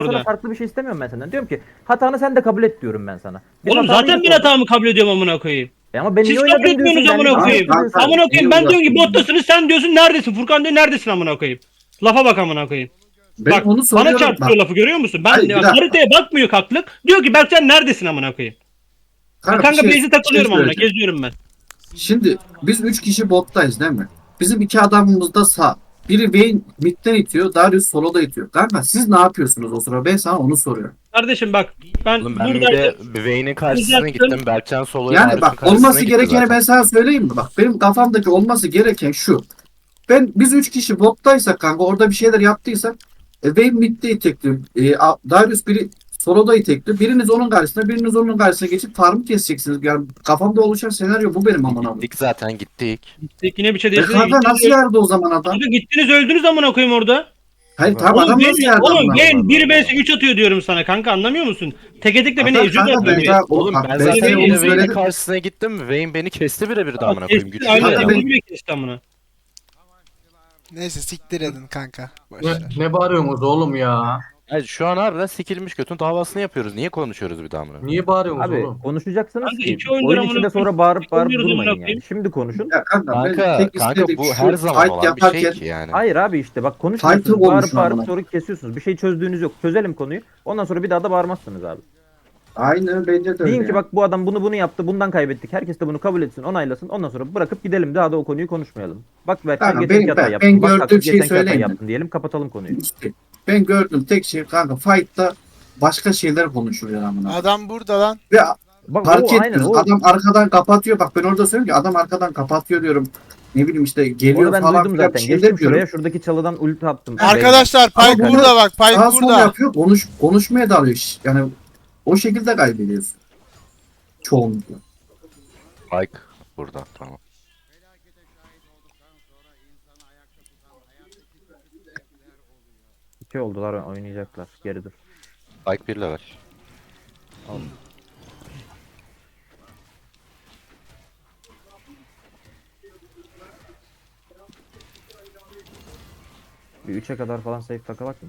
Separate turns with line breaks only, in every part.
sana
burada.
farklı bir şey istemiyorum ben senden. Diyorum ki hatanı sen de kabul et diyorum ben sana. Biz
Oğlum
hatanı
zaten ben
yapalım.
hatamı kabul ediyorum amına koyayım.
Ama ben iyi
Siz kabul
oynadım
etmiyorsunuz
diyorsun. Benle
amına
bir şey
koyayım.
yapıyorsun.
Amına
niye
koyayım ben diyorum ki
uğraştın?
bottasınız, sen diyorsun neredesin? Furkan diyor neredesin amına koyayım. Lafa bak amına koyayım.
Ben
Bak
onu
bana
soruyorum.
çarptırıyor
Bak.
lafı, görüyor musun?
Hayır, bir
Bak,
dakika.
haritaya bakmıyor kaklık. Diyor ki Berkcan neredesin amına koyayım. Ben kanka base'e takılıyorum amına,
söyleyeceğim.
geziyorum ben.
Şimdi biz 3 kişi bottayız değil mi? Bizim 2 adamımız da sağ. Biri Vayne midden itiyor, Darius soloda itiyor. Kanka siz ne yapıyorsunuz o sıra? Ben sana onu soruyorum.
Kardeşim bak ben
Oğlum ben bir de Vayne'in karşısına
Uzattım.
gittim. Berkcan Solo'ya
Yani
Darius'un
bak
karşısına
olması
gitti
gerekeni
zaten.
ben sana söyleyeyim mi? Bak benim kafamdaki olması gereken şu. Biz 3 kişi bottaysak kanka orada bir şeyler yaptıysak Vayne midde itekliyor. Darius biri soloda itekliyor. Biriniz onun karşısına, biriniz onun karşısına geçip farmı keseceksiniz. Yani kafamda oluşan senaryo bu benim amına koyayım.
Gittik zaten gittik.
yine bir şey
E
değişti.
kanka nasıl yardı o zaman adam?
Kanka gittiniz öldünüz amına koyayım orada.
Hayır tam
Oğlum
adam nasıl
ben,
yardı
oğlum
amına
ben
koyayım?
1 vs 3 atıyor diyorum sana kanka, anlamıyor musun? Teke tek de beni
Hatta
eziyor
kanka
zaten.
ben daha-
Oğlum
bak,
ben
ben
zaten
sana
onu
yine Vayne'in
söyledim.
karşısına gittim. Vayne beni kesti birebir de amına koyayım. Güçlü
Aynen
Kanka
ya.
ben-
beni bile kesti amına.
Neyse siktir edin kanka.
Ne,
Boşver.
ne bağırıyorsunuz oğlum ya?
Yani şu an harbiden sikilmiş götün davasını yapıyoruz. Niye konuşuyoruz bir daha amına?
Niye bağırıyorsunuz
Abi
oğlum?
konuşacaksınız
Kanka
ki
iki oyundur
oyun
amına
içinde
koyayım.
sonra bağırıp
Oynuyoruz amına
durmayın yani.
koyayım.
Şimdi konuşun.
Ya kanka, ben
Kanka,
tek
kanka
istedik
bu
şu
her zaman
fight
olan bir
yaparken
şey ki yani.
Hayır abi işte bak
Fight'ı
konuşmuyorsunuz. Bağırıp
konuşun
bağırıp
amına.
sonra kesiyorsunuz. Bir şey çözdüğünüz yok. Çözelim konuyu. Ondan sonra bir daha da bağırmazsınız abi.
aynen bence de öyle.
Deyin ki
yani.
bak bu adam bunu yaptı. Bundan kaybettik. Herkes de bunu kabul etsin, onaylasın. Ondan sonra bırakıp gidelim. Daha da o konuyu konuşmayalım. Bak Berkcan
Kanka,
geçenki
ben
hata yaptın.
gördüğüm
Bak Hakkı
şeyi
geçenki hata
söyleyeyim mi?
yaptın diyelim. Kapatalım konuyu.
İşte ben gördüğüm tek şey kanka fight'ta başka şeyler konuşuluyor amına.
Adam burada lan.
Ve
Bak
fark
o aynen
etmiyoruz.
o.
Adam arkadan kapatıyor. Bak ben orada söylüyorum ki adam arkadan kapatıyor diyorum. Ne bileyim işte geliyor
Onu ben
falan
duydum
filan bir
zaten.
şeyler
Geçtim
diyorum.
şuraya. Şuradaki çalıdan ulti attım.
Arkadaşlar
Ama
Pipe
bunu
burada bak. Pipe
Sağa sol
burada.
yapıyor. Konuşmaya dalıyor. Yani o şekilde kaybediyorsun. Çoğunlukla.
Like burada tamam.
İki oldular oynayacaklar. Geri dur.
Like 1 level.
Bir 3'e kadar falan safe takalak mı?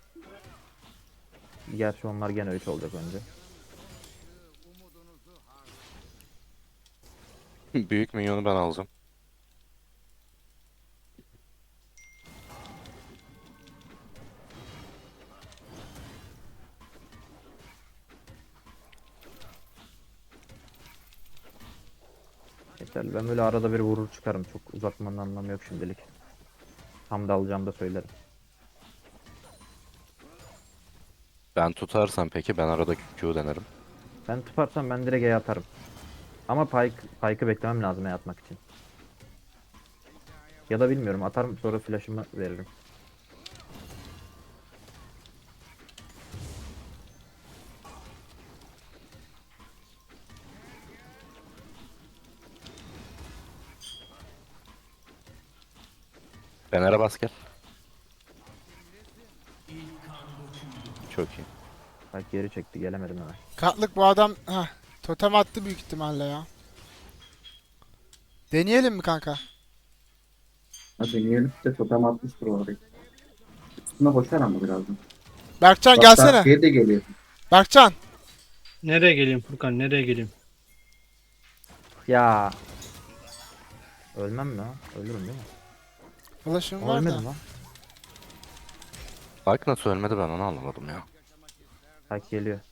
Gerçi onlar gene 3 olacak önce.
Büyük minyonu ben alacağım.
Yeterli. Ben böyle arada bir vurur çıkarım. Çok uzatmanın anlamı yok şimdilik. Tam da alacağım da söylerim.
Ben tutarsam peki ben arada Q denerim.
Ben tutarsam ben direkt E atarım. Ama Pike'ı beklemem lazım E atmak için. Ya da bilmiyorum atarım sonra flash'ımı veririm.
Fener'e bas gel. Çok iyi.
Pike geri çekti gelemedim hemen.
Katlık bu adam totem attı büyük ihtimalle ya. Deneyelim mi kanka?
Hadi deneyelim de totem atmıştır orada. Üstüne boşar ama birazdan.
Berkcan
Bak,
gelsene.
Şey de geliyor.
Berkcan.
Nereye geleyim Furkan, nereye geleyim?
Ya. Ölmem mi lan? Ölürüm değil mi?
Flash'ım var da.
Ölmedim lan.
Like nasıl ölmedi ben onu anlamadım ya.
Pike geliyor.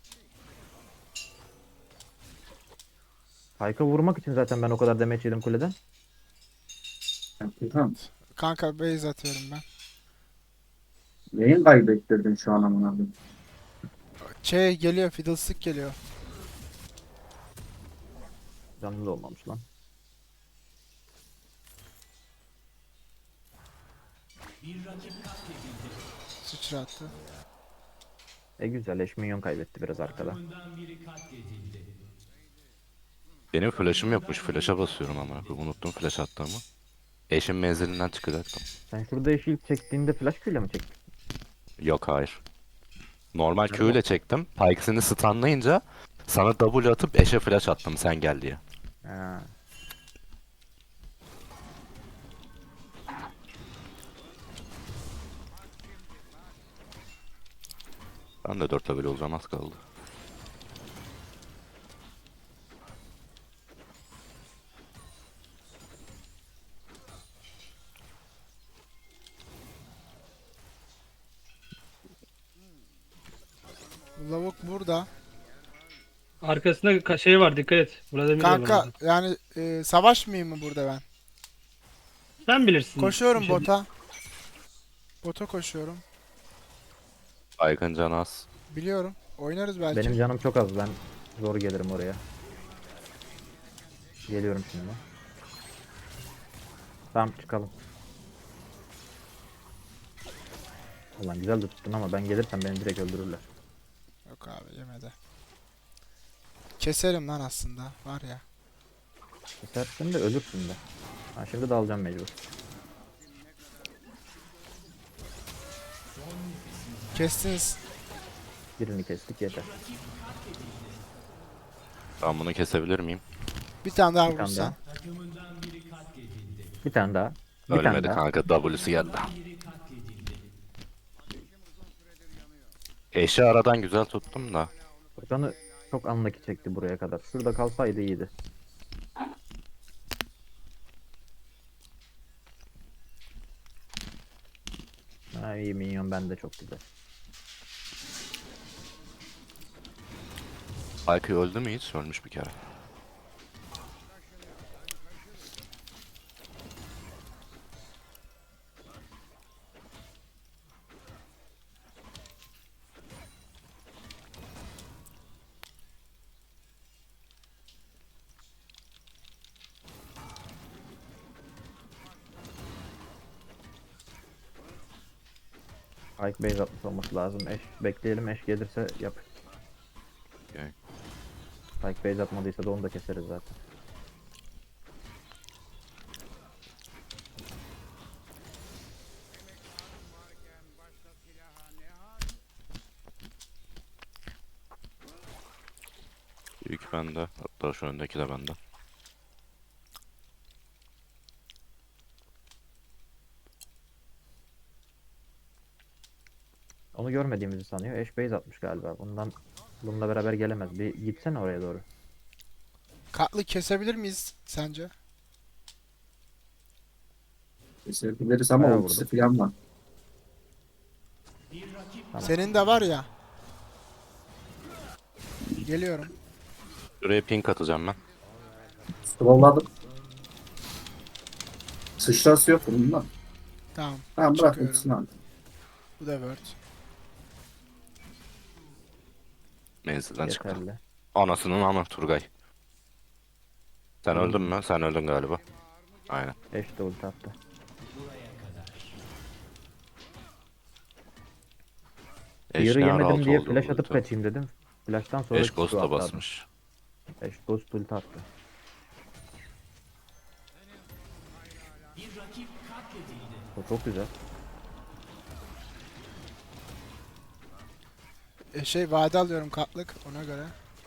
Pike'a vurmak için zaten ben o kadar damage yedim kuleden.
Tamam.
Kanka base atıyorum ben.
Neyin kaybettirdin şu an amına koyayım?
Geliyor. Fiddlestick geliyor.
Canlı da olmamış lan.
Sıçrattı.
Güzel eş minyon kaybetti biraz arkada.
Benim flash'ım yokmuş. Flash'a basıyorum ama. Unuttum flash attığımı. Eşin menzilinden çıkacaktım.
Sen şurada eşi ilk çektiğinde flash Q'yle mi çektin?
Yok hayır. Normal Q ile çektim. Pikes'ini stunlayınca sana W atıp eşe flash attım sen gel diye.
Ha.
Ben de 4 level olacağım, az kaldı.
Bu lavuk burada.
Arkasında şey var, dikkat et. Vladimir var
Kanka
orada.
yani savaşmayayım mı burada ben?
Sen bilirsin.
Koşuyorum
Bir şey-
bota. Bota koşuyorum.
Baygın can az.
Biliyorum. Oynarız belki.
Benim canım çok az. Ben zor gelirim oraya. Geliyorum şimdi. Tamam çıkalım. Ulan güzel de tuttun ama ben gelirsem beni direkt öldürürler.
Yok abi yemedi. Keserim lan aslında. Var ya.
Kesersin de ölürsün de. Ha, şimdi de alacağım mecbur.
Kestiniz.
Birini kestik yeter.
Ben bunu kesebilir miyim?
Bir tane daha
Bir tane
vurursan.
daha. Bir tane daha. Bir tane
Ölmedi
daha.
kanka, W'si geldi. Eşi aradan güzel tuttum da.
Furkan'ı çok anlaki çekti buraya kadar. Şurada kalsaydı iyiydi. Ha, iyi minyon bende çok güzel.
Spike öldü mü hiç? Ölmüş bir kere.
Pike base atmış olması lazım. Eş bekleyelim, eş gelirse yap.
Okay.
Pike base atmadıysa da onu da keseriz zaten.
Büyük bende. Hatta şu öndeki de bende.
Onu görmediğimizi sanıyor. Eş base atmış galiba. Bununla beraber gelemez. Bir gitsene oraya doğru.
Katlı kesebilir miyiz sence?
Kesebiliriz ama
Bayağı
ultisi
vurdum.
falan var.
Tamam.
Senin de var ya. Geliyorum.
Şuraya pink atacağım ben.
Scrolladım. Sıçrası yok bunun.
Tamam.
Tamam bırak
Çıkıyorum.
ultisini al.
Bu da word.
Menzilden çıktı.
Yeterli.
Anasının ama Turgay. Sen öldün mü? Sen öldün galiba. Aynen.
Eş de ulti attı.
Eş
Yarı
ne ara
yemedim
altı
diye
oldu
flash
bu
atıp
ulti?
kaçayım dedim. Flash'tan sonra
Eş
çıktı
Ghost'a
hatta adam.
basmış.
Eş ghost ulti attı. O çok güzel.
Vade alıyorum katlık ona göre.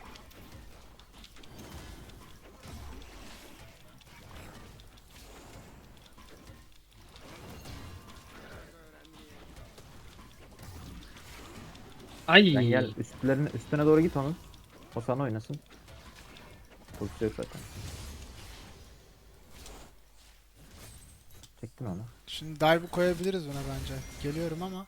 Ay.
Sen gel üstüne doğru git onun. O sana oynasın. Ultisi yok zaten. Çektin onu.
Şimdi dive koyabiliriz buna bence. Geliyorum ama.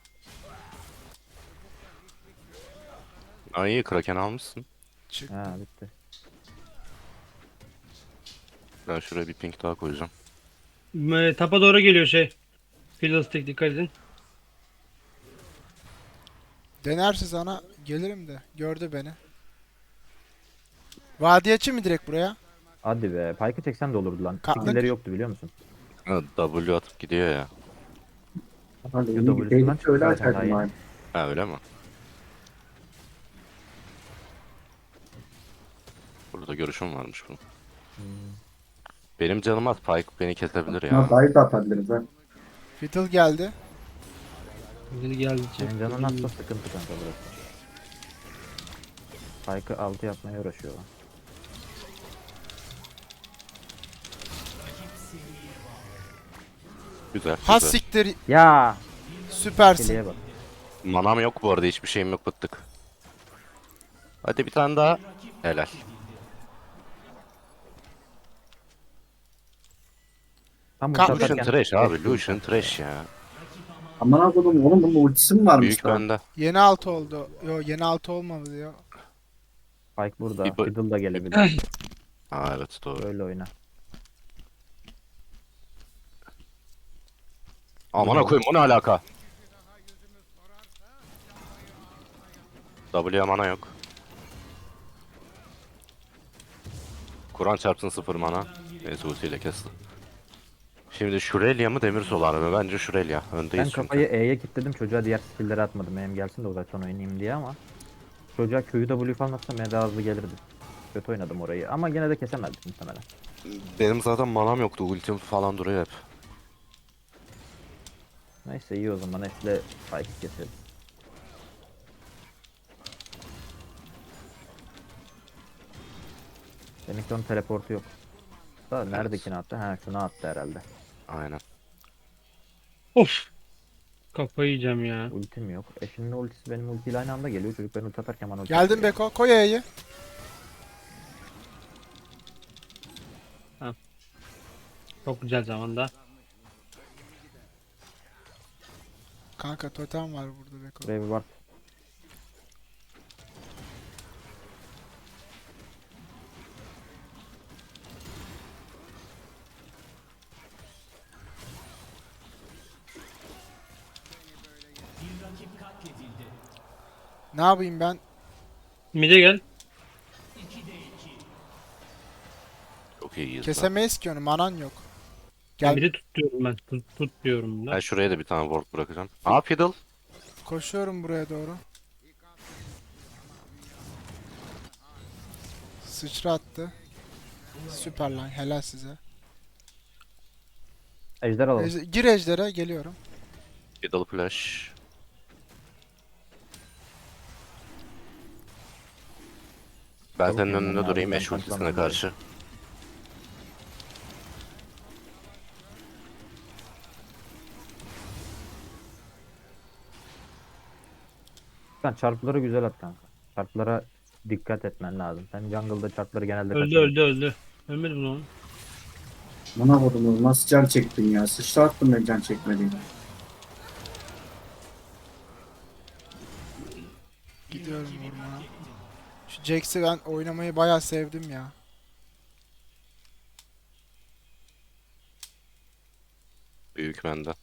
Ay iyi, Kraken almışsın.
Çık.
Ha bitti.
Ben şuraya bir pink daha koyacağım.
Tapa doğru geliyor şey. Fiddlestick, dikkat edin.
Denerse sana gelirim de. Gördü beni. Vadi açayım mı direkt buraya?
Hadi be. Pike'ı çeksen de olurdu lan.
Kalk.
Skill'leri yoktu biliyor musun?
Ha, W atıp gidiyor ya.
Hani iyi
W'sundan
bir tehlikeli
çıktı
öyle
zaten daha
açardım
yeni.
abi.
Ha öyle mi? Burada görüşüm varmış bunun. Benim canım az, Pike beni kesebilir
Buna
ya.
dive de atabiliriz ha.
Fiddle geldi.
Biri geldi.
Senin canın atsa sıkıntı kanka burası. Pike'ı 6 yapmaya uğraşıyor lan.
Güzel,
Has
güzel.
siktir.
Ya!
Süpersin.
Keleğe bak.
Manam yok bu arada, hiçbir şeyim yok, bıktık. Hadi bir tane daha. Helal.
Tam
Ka-
ulti
Lucian
atarken
trash abi,
geçti
Lucian
ulti.
trash ya.
Aman koydum oğlum bunun ultisi mi varmış
Büyük
daha?
bende.
Yeni altı oldu. Yo yeni altı olmadı diyor.
Spike burada.
Bir-
Fiddle da gelebilir.
Aa evet doğru.
Böyle oyna.
Amına koyayım, o ne alaka? W'ye mana yok. Kur'an çarpsın 0 mana. Neyse ultiyle kesti. Şimdi Şurelya mı Demir Solar mı? Bence Şurelya. Öndeyiz
Ben
çünkü.
kafayı E'ye kilitledim. Çocuğa diğer skill'leri atmadım. Benim gelsin de uzaktan oynayayım diye ama çocuğa Q'yu W falan atsam daha hızlı gelirdi. Kötü oynadım orayı ama gene de kesemezdik muhtemelen.
Benim zaten manam yoktu. Ultim falan duruyor hep.
Neyse iyi o zaman. Nesle Spike'ı keseriz. Demek onun teleportu yok. Da neredekini attı? Ha şunu attı herhalde.
Aynen.
Of. Kafayı yiyeceğim ya.
Ultim yok. Eşinin ultisi benim ultiyle aynı anda geliyor. Çocuk ben ulti atarken bana ulti
Geldim
atıyor.
Beko. Koy E'yi.
Çok güzel zamanda.
Kanka totem var burada Beko.
Buraya bir bak.
Ne yapayım ben?
Mide gel.
Çok iyiyiz. lan.
Kesemeyiz ki onu. Manan yok. Gel.
Mide tut diyorum ben. Tut diyorum da.
Ben şuraya da bir tane ward bırakacağım. Aa Fiddle.
Koşuyorum buraya doğru. Sıçra attı. Süper lan. Helal size.
Ejder alalım.
Gir ejdere. Geliyorum.
Fiddle flash. Ben
Çabuk
senin
yürü
önünde
abi,
durayım
ben
eş ultisine
saklandım
karşı.
Sen çarpları güzel at kanka. Çarplara dikkat etmen lazım. Sen jungle'da çarpları genelde
Öldü
kaçırıyorsun.
öldü. Ölmedi mi lan?
Aman koydum nasıl can çektin ya? Sıçrattım ben can çekmediğimi.
Gidiyorum vurmaya. Şu Jax'i ben oynamayı bayağı sevdim ya.
Büyük bende.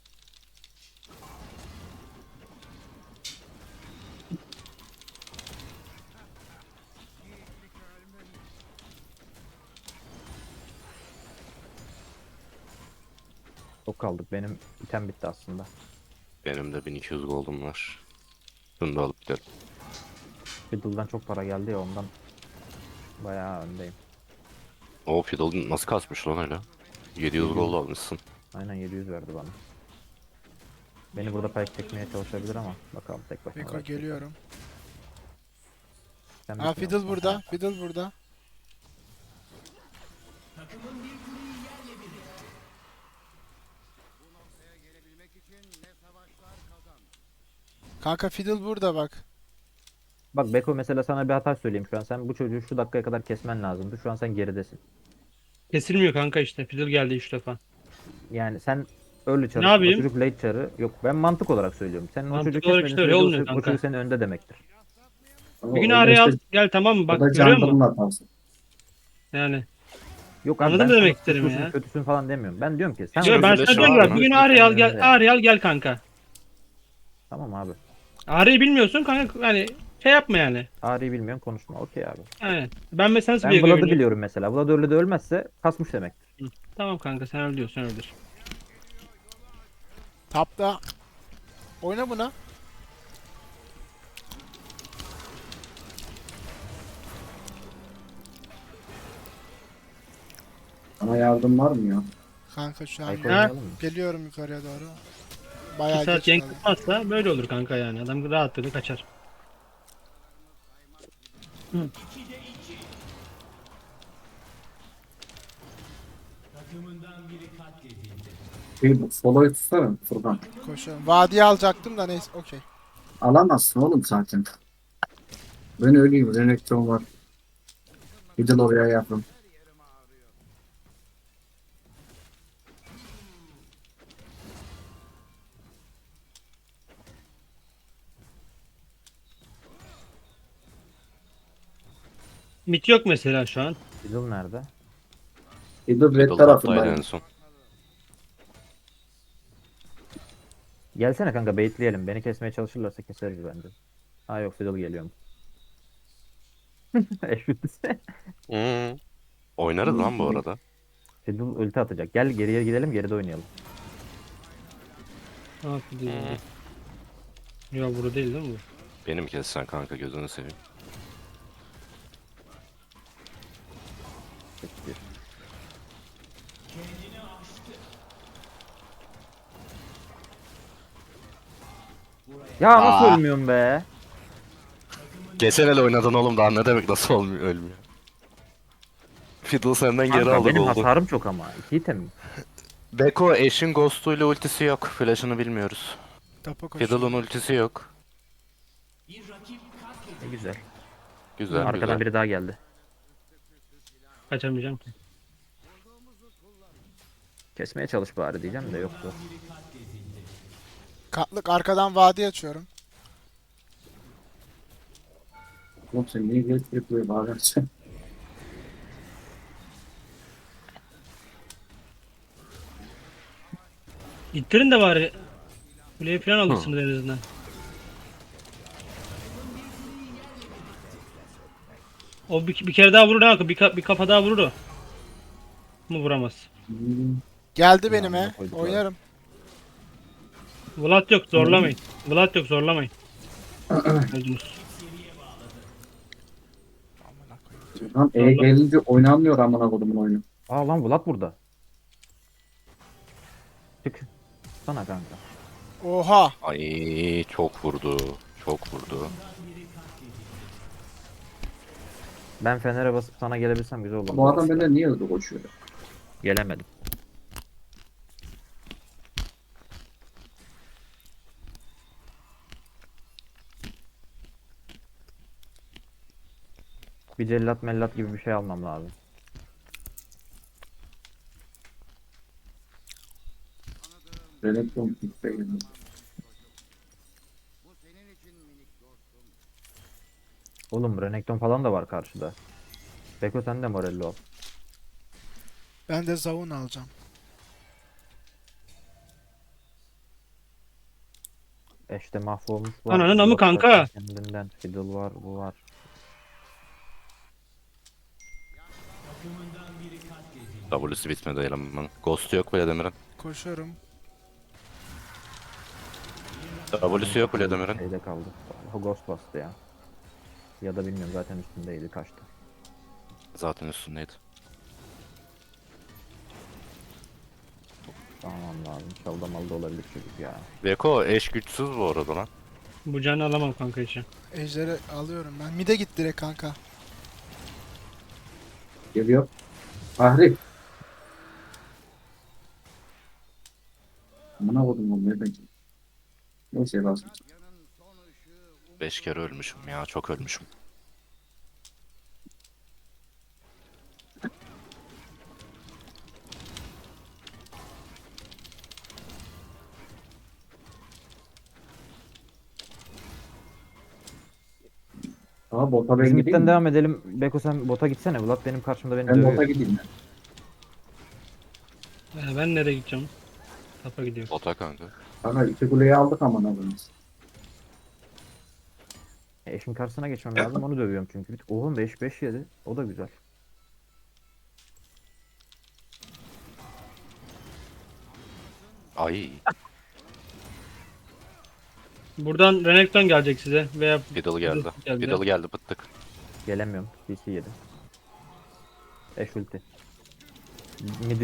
Çok kaldık. Benim item bitti aslında.
Benim de 1200 gold'um var. Bunu da alıp gidelim.
Fiddle'dan çok para geldi ya ondan bayağı öndeyim.
O Fiddle nasıl kasmış lan öyle? 700 gold almışsın.
Aynen 700 verdi bana. Beni burada pek çekmeye çalışabilir ama bakalım tek başına.
Beko
uğraşacak.
geliyorum.
Sen
Aa
bitmiyor musun?
Fiddle burada. Fiddle burada. Kanka Fiddle burada bak.
Bak Beko mesela sana bir hata söyleyeyim şu an. Sen bu çocuğu şu dakikaya kadar kesmen lazımdı. Şu an sen geridesin.
Kesilmiyor kanka işte. Fiddle geldi 3 defa.
Yani sen early çarı,
Ne
o
yapayım?
çocuk late çarı. Yok ben mantık olarak söylüyorum. Sen o
Mantık
çocuğu
olarak
kesmediğin
işte öyle
sürece
olmuyor
o
kanka.
çocuk senin önde demektir.
Bir gün araya al gel tamam mı?
O
Bak
da
görüyor musun?
jungle'ın hatası.
Yani.
Yok abi
Anladın
ben
mı demek
sana
istedim
suçlusun,
ya?
kötüsün falan demiyorum. Ben diyorum ki sen
Yo, ben
Flash
sana diyorum
var
ki bak
mı?
bir gün
Senin
Ağrı'yı al
önünde.
gel. Ağrı'yı al gel kanka.
Tamam abi.
Ağrı'yı bilmiyorsun kanka hani şey yapma yani.
Ağrı'yı bilmiyorsun konuşma. Okey abi.
Aynen. Ben mesela nasıl
Ben
bir
Vlad'ı
görünüyorum?
biliyorum mesela. Vlad öyle de ölmezse kasmış demektir.
Tamam kanka sen öl diyorsan öldür.
Tapta. Oyna buna.
Ama yardım var mı ya?
Kanka şu an
Ayko
Ha?
oynayalım mı?
geliyorum yukarıya doğru.
2
Bayağı
saat
geç
yank
kaldım.
tutmazsa böyle olur kanka yani. Adam rahatlıkla kaçar.
Bir soloyu tutsana Furkan.
Koşuyorum. Vadiye alacaktım da neyse okey.
Alamazsın oğlum zaten. Ben öleyim. Renekton var. Gidin oraya yapın.
Mit yok mesela şu an.
Fiddle nerede?
Gidin red
Fiddle toptaydı
tarafındayım.
en son.
Gelsene kanka baitleyelim. Beni kesmeye çalışırlarsa keseriz bence. Ha yok Fiddle geliyor mu? Eşitse.
Oynarız lan bu arada.
Fiddle ulti atacak. Gel geriye gidelim geride oynayalım.
Ne yapıyor? Ya burada değil mi bu?
Beni mi keseceksin kanka, gözünü seveyim.
Peki. Ya nasıl
Aa.
ölmüyorum be?
Geçen el oynadın oğlum, daha ne demek nasıl olmuyor, ölmüyor. Fiddle senden geri
Kanka
aldı
benim
goldu.
hasarım çok ama. 2 item.
Beko eşin ghost'uyla ultisi yok. Flash'ını bilmiyoruz.
Tapa koşuyor.
Fiddle'ın ultisi yok.
Ne güzel.
Güzel
Arkadan
güzel.
biri daha geldi.
Kaçamayacağım ki.
Kesmeye çalış bari diyeceğim de yoktu.
Katlık arkadan vadi açıyorum.
Oğlum sen niye gelip buraya bağıracaksın?
İttirin de bari. Kuleye falan alırsınız en azından. O bir kere daha vurur ha. Bir kafa daha vurur o. Mu vuramaz.
Geldi benime.
koyduk
Oynarım.
Vlad yok zorlamayın. Vlad yok zorlamayın. Öldünüz.
Lan gelince oynanmıyor amına kodumun oyunu.
Aa lan Vlad burada. Çık. Sana kanka.
Oha.
Ay çok vurdu. Çok vurdu.
Ben Fener'e basıp sana gelebilsem güzel olur.
Bu adam benden niye hızlı koşuyor?
Gelemedim. Bir cellat mellat gibi bir şey almam lazım.
Renekton kitle geldi.
Oğlum Renekton falan da var karşıda. Beko sen de moralli ol.
Ben de zavun alacağım.
Eşte mahvolmuş var.
Ananın amı
Yok var
kanka.
Kendinden. Fiddle var, bu var.
W'si bitmedi elemanın. Ghost yok Vladimir'in.
Koşuyorum.
W'si yok Vladimir'in.
Şeyde kaldı. O Ghost bastı ya. Ya da bilmiyorum zaten üstündeydi kaçtı.
Zaten üstündeydi.
Tamam lazım. Çalda malda olabilir çocuk ya.
Beko eş güçsüz bu arada lan.
Bu canı alamam kanka için.
Ejder'i alıyorum ben. Mide git direkt kanka.
Geliyor. Fahri. Amına kodumun nereden? Neyse lazım.
5 kere ölmüşüm ya, çok ölmüşüm.
Aa bota ben
Bizim
gideyim
itten
mi?
devam edelim. Beko sen bota gitsene. Vlad benim karşımda beni
Ben
dövüyor.
bota gideyim mi?
Ben nereye gideceğim? Tapa gidiyorum.
Bota kanka.
Kanka iki kuleyi aldık amına koyayım.
Eşin karşısına geçmem lazım. Onu dövüyorum çünkü. Oğlum 5-5 yedi. O da güzel.
Ay
Buradan Renekton gelecek size veya
Fiddle geldi.
Geldi.
Fiddle geldi, bıttık.
Gelemiyorum. CC yedi. Eş ulti. Mid 3.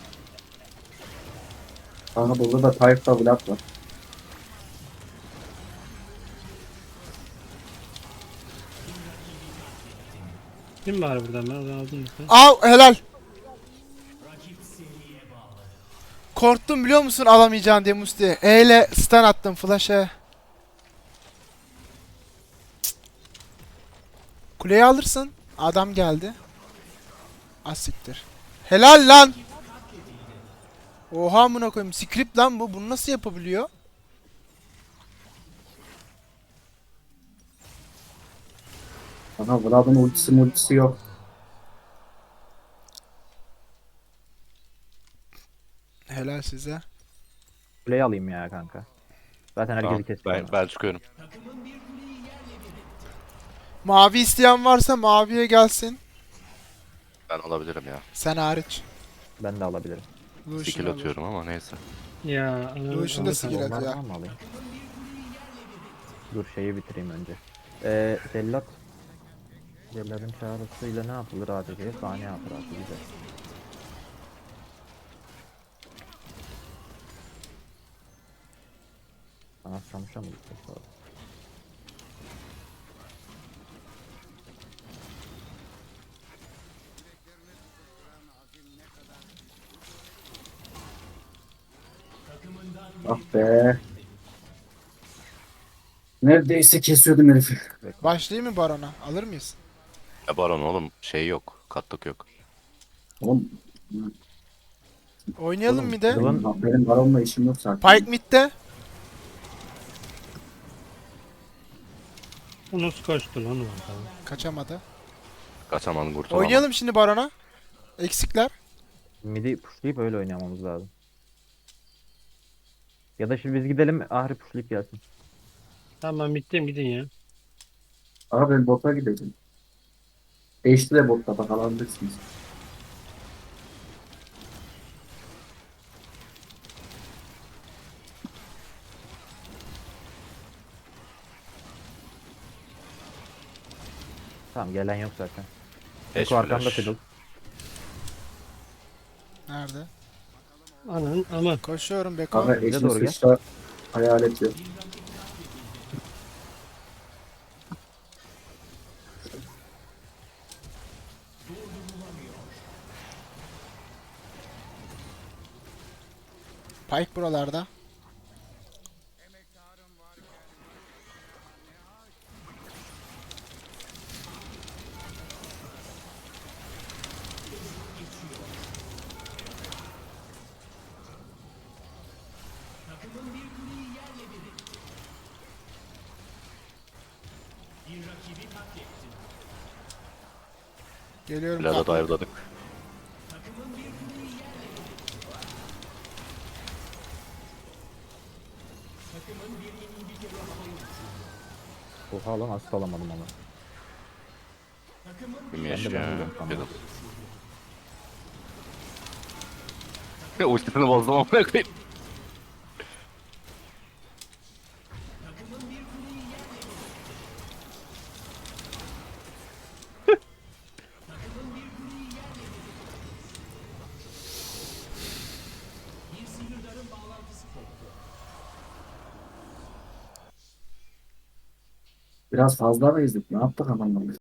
Kanka burada da Tayyip'ta Vlad var.
kim var buradan ben oradan aldım mı?
Av helal. Korktum biliyor musun alamayacağın diye Musti. E ile stun attım flash'e. Kuleyi alırsın. Adam geldi. Asiktir. Helal lan. Oha amına koyayım. Script lan bu. Bunu nasıl yapabiliyor?
Aha Vlad'ın ultisi yok.
Helal size.
Kuleyi alayım ya kanka. Zaten herkesi
Tamam,
kesiyor.
ben çıkıyorum.
Mavi isteyen varsa maviye gelsin.
Ben alabilirim ya.
Sen hariç.
Ben de alabilirim.
Lucian
Skill
alır.
atıyorum ama neyse.
Ya.
Lucian da skill
Onlar
atıyor.
var mı alayım? Dur şeyi bitireyim önce. Cellat. Cellat'ın çağrısıyla ne yapılır ADC'ye? Saniye hatırası güzel. Sana Samış'a mı gitmek lazım?
Ah be. Neredeyse kesiyordum herifi.
Başlayayım mı Baron'a? Alır mıyız?
Ya Baron oğlum şey yok. Katlık yok.
Oğlum
Oynayalım
Oğlum,
bir de.
benim baronla işim yok zaten.
Pike mid'de.
O nasıl kaçtı lan orada?
Kaçamadı.
Kaçaman kurtulamam.
Oynayalım şimdi Baron'a. Eksikler.
Midi pushlayıp öyle oynamamız lazım. Ya da şimdi biz gidelim Ahri pushlayıp gelsin.
Tamam bittim gidin ya.
Abi ben bota gideceğim. Eşli de botta bak alabilirsiniz.
Tamam gelen yok zaten.
Eş
Eko arkamda
flash.
fiddle.
Nerede?
Anan aman.
Koşuyorum Beko.
Abi
Bize
eşli
doğru gel.
sıçra hayalet yok.
Pike buralarda. Geliyorum.
Vlad'a
kapı.
dive'ladık.
Oha lan asıl alamadım onu.
Bilmiyorum
Ben de
ya.
buldum, tamam.
Fiddle. Ya ultisini bozdum ama koyayım.
Biraz fazla mı ezdik? Ne yaptık adamla?